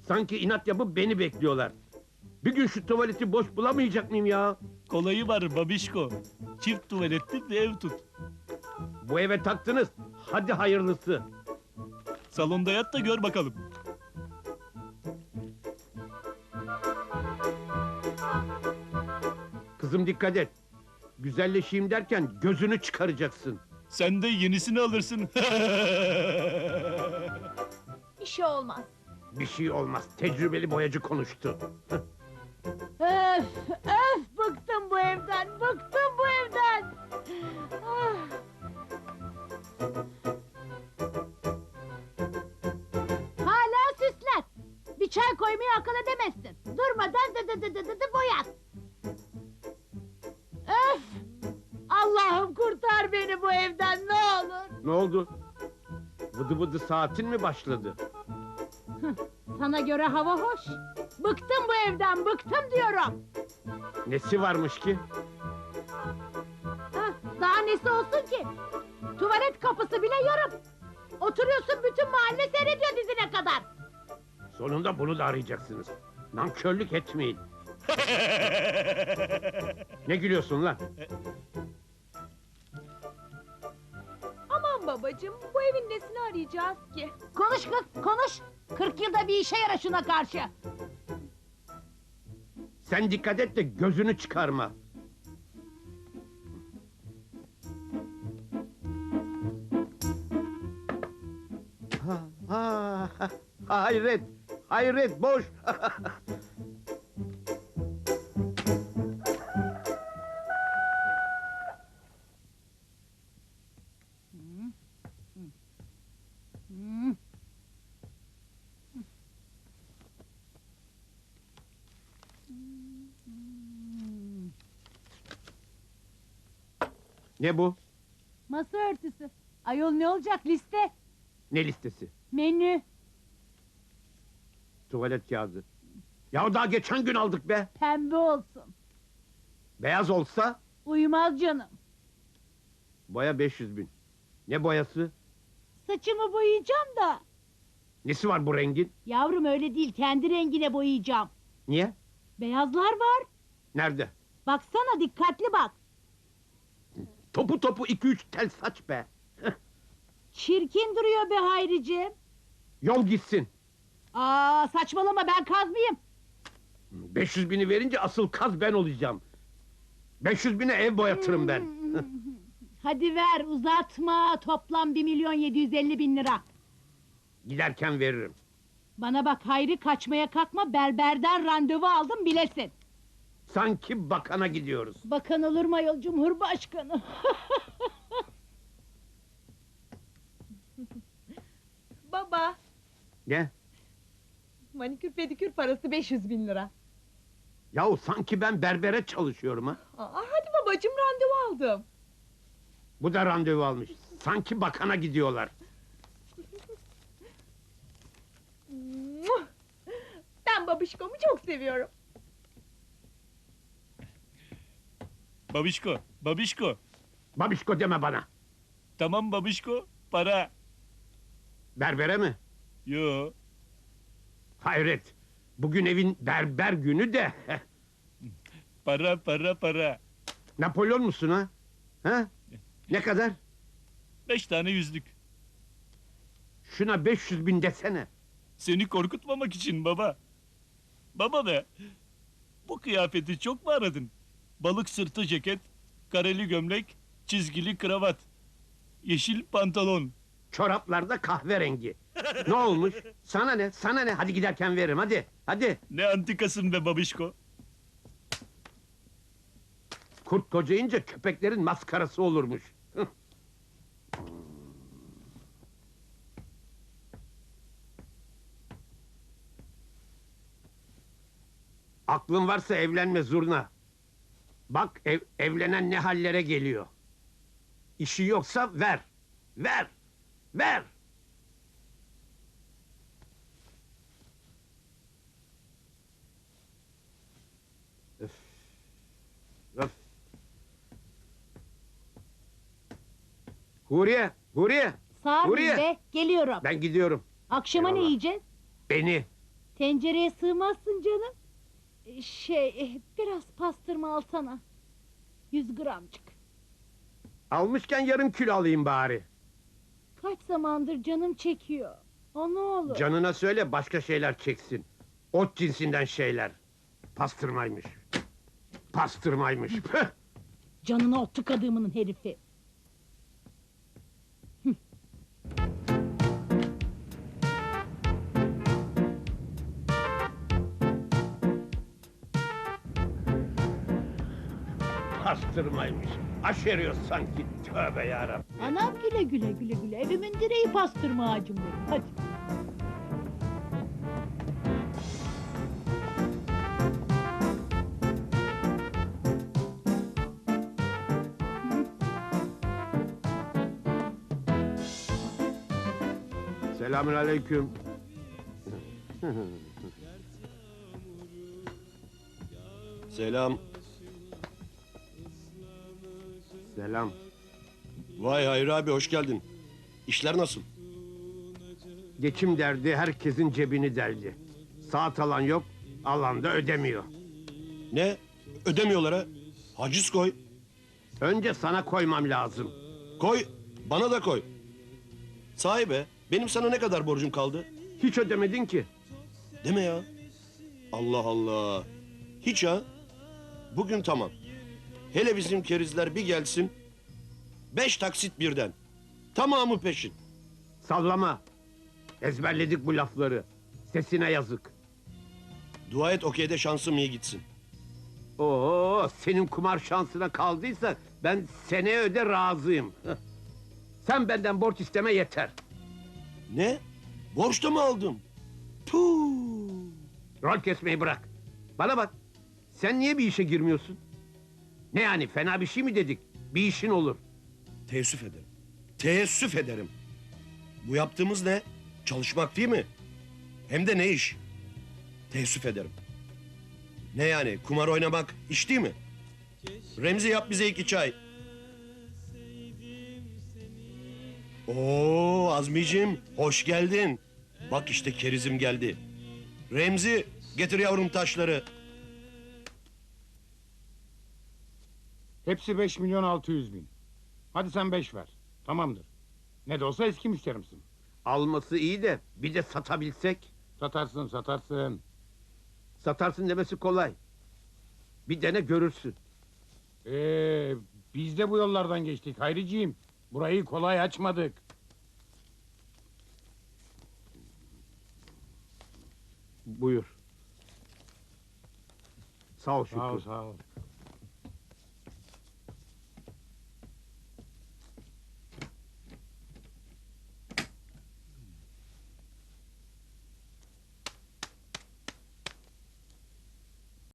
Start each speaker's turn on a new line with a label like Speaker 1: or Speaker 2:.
Speaker 1: Sanki inat yapıp beni bekliyorlar. Bir gün şu tuvaleti boş bulamayacak mıyım ya?
Speaker 2: Kolayı var babişko. Çift tuvaletli bir ev tut.
Speaker 1: Bu eve taktınız. Hadi hayırlısı.
Speaker 2: Salonda yat da gör bakalım.
Speaker 1: Kızım dikkat et. Güzelleşeyim derken gözünü çıkaracaksın.
Speaker 2: Sen de yenisini alırsın.
Speaker 3: Bir şey olmaz.
Speaker 1: Bir şey olmaz. Tecrübeli boyacı konuştu.
Speaker 3: Öf, öf, bıktım bu evden, bıktım bu evden. Ah. Hala süsler. Bir çay koymayı akıl edemezsin. Durmadan dı boyat. Öf! Allah'ım kurtar beni bu evden ne olur.
Speaker 1: Ne oldu? Vıdı vıdı saatin mi başladı?
Speaker 3: Sana göre hava hoş. Bıktım bu evden, bıktım diyorum.
Speaker 1: Nesi varmış ki?
Speaker 3: Hah, daha nesi olsun ki? Tuvalet kapısı bile yarım. Oturuyorsun bütün mahalle seyrediyor dizine kadar.
Speaker 1: Sonunda bunu da arayacaksınız. Nankörlük etmeyin. Ne gülüyorsun lan?
Speaker 4: Aman babacığım, bu evin nesini arayacağız ki?
Speaker 3: Konuş kız, konuş. 40 yılda bir işe yara şuna karşı.
Speaker 1: Sen dikkat et de gözünü çıkarma. Hayret, hayret boş. Ne bu?
Speaker 3: Masa örtüsü. Ayol ne olacak liste?
Speaker 1: Ne listesi?
Speaker 3: Menü.
Speaker 1: Tuvalet kağıdı. Ya daha geçen gün aldık be.
Speaker 3: Pembe olsun.
Speaker 1: Beyaz olsa
Speaker 3: Uyumaz canım.
Speaker 1: boya 500 bin. Ne boyası?
Speaker 3: Saçımı boyayacağım da.
Speaker 1: Nesi var bu rengin?
Speaker 3: Yavrum öyle değil, kendi rengine boyayacağım.
Speaker 1: Niye?
Speaker 3: Beyazlar var.
Speaker 1: Nerede?
Speaker 3: Baksana dikkatli bak.
Speaker 1: Topu topu 2-3 tel saç be.
Speaker 3: Çirkin duruyor be Hayriciğim.
Speaker 1: Yol gitsin.
Speaker 3: Aa saçmalama ben kaz mıyım?
Speaker 1: 500 bini verince asıl kaz ben olacağım. 500 bine ev boyatırım ben.
Speaker 3: Hadi ver uzatma, toplam 1.750.000 lira.
Speaker 1: Giderken veririm.
Speaker 3: Bana bak Hayri, kaçmaya kalkma, berberden randevu aldım bilesin.
Speaker 1: Sanki bakana gidiyoruz.
Speaker 3: Bakan olur mu ayol, Cumhurbaşkanı?
Speaker 4: Baba,
Speaker 1: Ne?
Speaker 4: manikür pedikür parası 500.000 lira.
Speaker 1: Yahu sanki ben berbere çalışıyorum ha.
Speaker 4: Hadi babacığım, randevu aldım.
Speaker 1: Bu da randevu almış. Sanki bakana gidiyorlar.
Speaker 4: Ben babişkomu çok seviyorum.
Speaker 2: Babişko, babişko.
Speaker 1: Babişko deme bana.
Speaker 2: Tamam babişko, para.
Speaker 1: Berbere mi?
Speaker 2: Yo,
Speaker 1: Hayret. Bugün evin berber günü de.
Speaker 2: para, para, para.
Speaker 1: Napolyon musun ha? Ha? Ne kadar?
Speaker 2: 5 tane yüzlük.
Speaker 1: Şuna 500 bin desene.
Speaker 2: Seni korkutmamak için baba. Baba be, bu kıyafeti çok mu aradın? Balık sırtı ceket, kareli gömlek, çizgili kravat, yeşil pantolon.
Speaker 1: Çoraplarda kahverengi. Ne olmuş? Sana ne? Sana ne? Hadi giderken veririm hadi. Hadi.
Speaker 2: Ne antikasın be babişko.
Speaker 1: Kurt kocayınca köpeklerin maskarası olurmuş. Hıh. Aklın varsa evlenme zurna. Bak evlenen ne hallere geliyor. İşi yoksa ver. Ver. Ver. Öf. Öf. Huriye, Huriye.
Speaker 3: Sağ ol
Speaker 1: Huriye.
Speaker 3: be, geliyorum.
Speaker 1: Ben gidiyorum.
Speaker 3: Akşama ne
Speaker 1: Eyvallah.
Speaker 3: yiyeceğiz?
Speaker 1: Beni.
Speaker 3: Tencereye sığmazsın canım. Biraz pastırma alsana. 100 gramcık.
Speaker 1: Almışken yarım kilo alayım bari.
Speaker 3: Kaç zamandır canım çekiyor. O ne olur.
Speaker 1: Canına söyle başka şeyler çeksin. Ot cinsinden şeyler. Pastırmaymış. Pastırmaymış. Püh!
Speaker 3: Canına ot tıkadığımın herifi.
Speaker 1: Pastırmaymış. Aşeriyor sanki. Tövbe yarabbim.
Speaker 3: Anam güle güle güle güle. Evimin direği pastırma ağacım benim. Hadi.
Speaker 1: Selamünaleyküm.
Speaker 5: Selam.
Speaker 1: Selam.
Speaker 5: Vay Hayri abi hoş geldin. İşler nasıl?
Speaker 1: Geçim derdi herkesin cebini deldi. Saat alan yok, alan da ödemiyor.
Speaker 5: Ne? Ödemiyorlar ha? Haciz koy.
Speaker 1: Önce sana koymam lazım.
Speaker 5: Koy. Bana da koy. Sahi be. Benim sana ne kadar borcum kaldı?
Speaker 1: Hiç ödemedin ki.
Speaker 5: Deme ya. Allah Allah. Hiç ha. Bugün tamam. Hele bizim kerizler bir gelsin. 5 taksit birden. Tamamı peşin.
Speaker 1: Sallama. Ezberledik bu lafları. Sesine yazık.
Speaker 5: Dua et okeyde şansım iyi gitsin.
Speaker 1: Oo, senin kumar şansına kaldıysa ben seneye öde razıyım. Sen benden borç isteme yeter.
Speaker 5: Ne? Borçta mı aldım? Puh.
Speaker 1: Rol kesmeyi bırak. Bana bak. Sen niye bir işe girmiyorsun? Ne yani fena bir şey mi dedik? Bir işin olur.
Speaker 5: Teessüf ederim. Teessüf ederim. Bu yaptığımız ne? Çalışmak değil mi? Hem de ne iş? Teessüf ederim. Ne yani? Kumar oynamak iş değil mi? Remzi yap bize 2 çay. Oo Azmiciğim hoş geldin. Bak işte kerizim geldi. Remzi getir yavrum taşları.
Speaker 6: Hepsi 5.600.000. Hadi sen 5 ver. Tamamdır. Ne de olsa eski müşterimsin.
Speaker 1: Alması iyi de bir de satabilsek.
Speaker 6: Satarsın satarsın.
Speaker 1: Satarsın demesi kolay. Bir dene görürsün.
Speaker 6: Biz de bu yollardan geçtik Hayriciğim. Burayı kolay açmadık.
Speaker 1: Buyur. Sağ ol Şükrü.
Speaker 6: Sağ ol sağ ol.